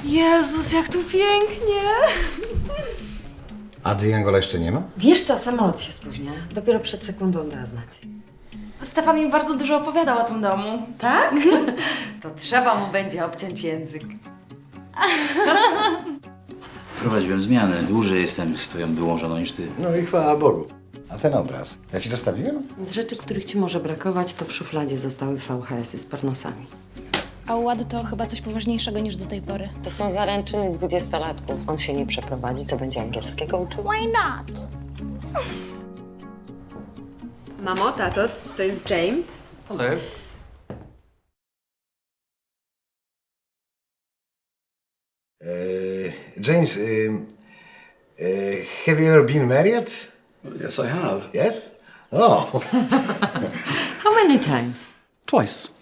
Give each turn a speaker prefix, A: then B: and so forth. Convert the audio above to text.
A: Jezus, jak tu pięknie!
B: A Triangola jeszcze nie ma?
C: Wiesz co, samolot się spóźnia. Dopiero przed sekundą da znać.
A: Stefan mi bardzo dużo opowiadał o tym domu.
C: Tak? To trzeba mu będzie obciąć język.
D: Prowadziłem zmianę. Dłużej jestem z twoją byłą żoną niż ty.
B: No i chwała Bogu. A ten obraz? Ja ci zostawiłem?
C: Z rzeczy, których ci może brakować, to w szufladzie zostały VHS-y z pornosami.
A: A u Łady to chyba coś poważniejszego niż do tej pory.
C: To są zaręczyny 20-latków. On się nie przeprowadzi, co będzie angielskiego uczył.
A: Why not?
E: Mamo, tato, to jest James.
D: Hello.
B: James, have you ever been married?
D: Yes, I have.
B: Yes? Oh.
C: How many times?
D: Twice.